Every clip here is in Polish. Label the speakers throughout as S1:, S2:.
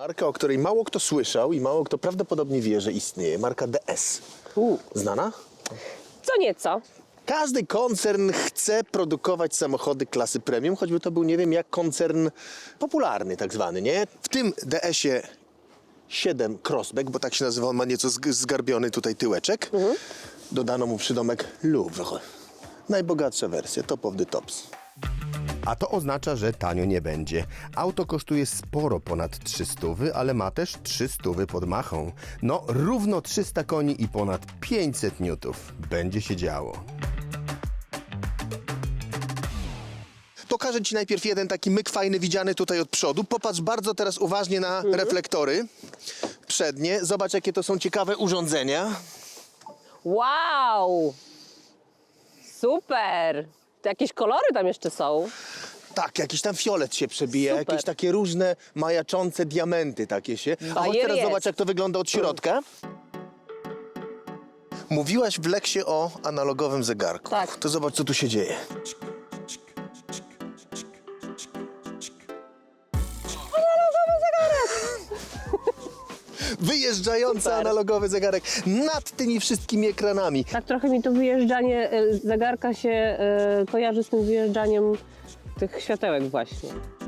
S1: Marka, o której mało kto słyszał i mało kto prawdopodobnie wie, że istnieje. Marka DS. Znana?
S2: Co nieco.
S1: Każdy koncern chce produkować samochody klasy premium, choćby to był, nie wiem, jak koncern popularny tak zwany, nie? W tym DS-ie 7 Crossback, bo tak się nazywa, on ma nieco zgarbiony tutaj tyłeczek. Dodano mu przydomek Louvre. Najbogatsza wersja, top of the tops.
S3: A to oznacza, że tanio nie będzie. Auto kosztuje sporo ponad 300, ale ma też 300 pod machą. No, równo 300 koni i ponad 500 newtów. Będzie się działo.
S1: Pokażę Ci najpierw jeden taki myk fajny, widziany tutaj od przodu. Popatrz bardzo teraz uważnie na reflektory przednie. Zobacz, jakie to są ciekawe urządzenia.
S2: Wow! Super! To jakieś kolory tam jeszcze są.
S1: Tak, jakiś tam fiolet się przebija,
S2: Super.
S1: jakieś takie różne majaczące diamenty takie się. A chodź
S2: Bajer
S1: teraz
S2: jest.
S1: zobacz, jak to wygląda od środka. Mówiłaś w Leksie o analogowym zegarku.
S2: Tak.
S1: To zobacz, co tu się dzieje. Wyjeżdżający
S2: Super.
S1: analogowy zegarek nad tymi wszystkimi ekranami.
S2: Tak trochę mi to wyjeżdżanie zegarka się kojarzy z tym wyjeżdżaniem tych światełek właśnie.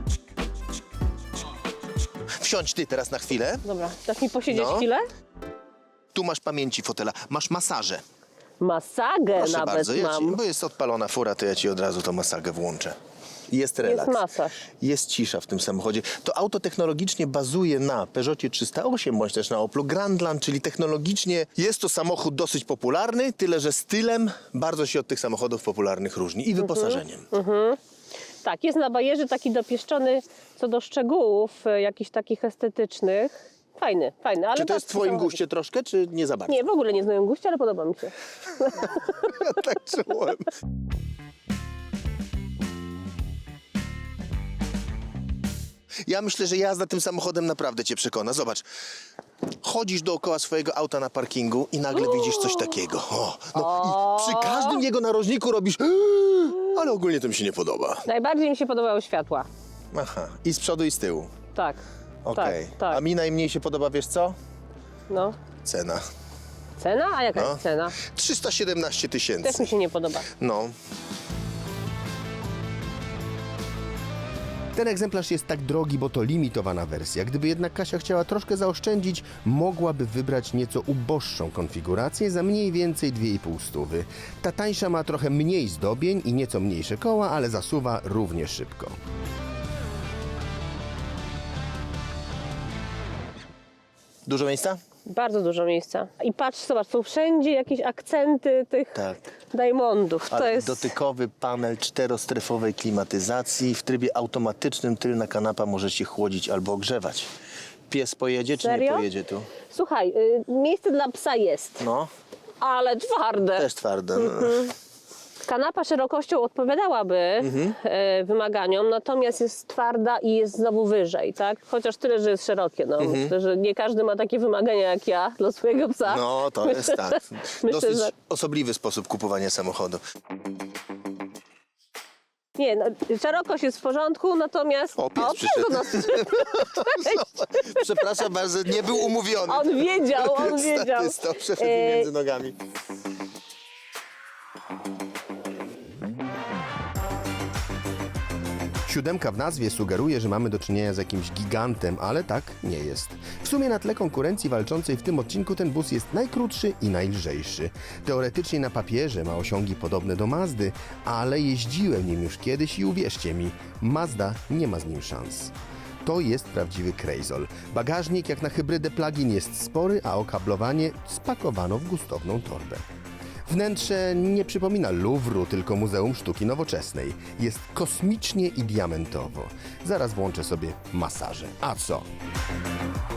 S1: Wsiądź ty teraz na chwilę.
S2: Dobra, dasz mi posiedzieć
S1: No.
S2: chwilę?
S1: Tu masz pamięci fotela, masz masażę.
S2: Masagę
S1: Proszę
S2: nawet
S1: bardzo,
S2: mam.
S1: bo jest odpalona fura, to ja ci od razu tą masagę włączę. Jest relaks.
S2: Jest masaż.
S1: Jest cisza w tym samochodzie. To auto technologicznie bazuje na Peugeotie 308 bądź też na Oplu Grandland, czyli technologicznie jest to samochód dosyć popularny, tyle że stylem bardzo się od tych samochodów popularnych różni i wyposażeniem.
S2: Tak, jest na bajerze taki dopieszczony co do szczegółów, jakichś takich estetycznych. Fajny, fajny. Ale
S1: Czy to jest w twoim
S2: samochód.
S1: guście troszkę, czy nie za bardzo?
S2: Nie, w ogóle nie z moim guście, ale podoba mi się.
S1: Ja tak czułem. Ja myślę, że jazda tym samochodem naprawdę cię przekona. Zobacz, chodzisz dookoła swojego auta na parkingu i nagle widzisz coś takiego. I przy każdym jego narożniku robisz ale ogólnie to mi się nie podoba.
S2: Najbardziej mi się podobały światła.
S1: Aha, i z przodu i z tyłu.
S2: Tak.
S1: Okej.
S2: Tak, tak.
S1: A mi najmniej się podoba, wiesz co?
S2: No.
S1: Cena.
S2: Cena? A jaka
S1: No.
S2: jest cena?
S1: 317
S2: Też
S1: tysięcy.
S2: mi się nie podoba.
S1: No.
S3: Ten egzemplarz jest tak drogi, bo to limitowana wersja. Gdyby jednak Kasia chciała troszkę zaoszczędzić, mogłaby wybrać nieco uboższą konfigurację za mniej więcej 2,5 stówy. Ta tańsza ma trochę mniej zdobień i nieco mniejsze koła, ale zasuwa równie szybko.
S1: Dużo miejsca?
S2: Bardzo dużo miejsca. I patrz, zobacz, są wszędzie jakieś akcenty tych
S1: Tak.
S2: Diamondów.
S1: A
S2: To jest...
S1: dotykowy panel czterostrefowej klimatyzacji. W trybie automatycznym tylna kanapa może się chłodzić albo ogrzewać. Pies pojedzie, czy nie
S2: Serio?
S1: pojedzie tu?
S2: Słuchaj, miejsce dla psa jest,
S1: No,
S2: ale twarde.
S1: też twarde. No.
S2: Kanapa szerokością odpowiadałaby wymaganiom, natomiast jest twarda i jest znowu wyżej, tak? Chociaż tyle, że jest szerokie. No. Myślę, że nie każdy ma takie wymagania jak ja dla swojego psa.
S1: No, to jest tak.
S2: Myślę,
S1: Dosyć
S2: że...
S1: osobliwy sposób kupowania samochodu.
S2: Nie, no, szerokość jest w porządku,
S1: pies
S2: natomiast...
S1: przyszedł.
S2: pies do nas przyszedł.
S1: Przepraszam bardzo, nie był umówiony.
S2: On wiedział.
S1: Stał przeszedł mi między nogami.
S3: Siódemka w nazwie sugeruje, że mamy do czynienia z jakimś gigantem, ale tak nie jest. W sumie na tle konkurencji walczącej w tym odcinku ten bus jest najkrótszy i najlżejszy. Teoretycznie na papierze ma osiągi podobne do Mazdy, ale jeździłem nim już kiedyś i uwierzcie mi, Mazda nie ma z nim szans. To jest prawdziwy krejzol. Bagażnik jak na hybrydę plug-in jest spory, a okablowanie spakowano w gustowną torbę. Wnętrze nie przypomina Louvru, tylko Muzeum Sztuki Nowoczesnej. Jest kosmicznie i diamentowo. Zaraz włączę sobie masażę. A co?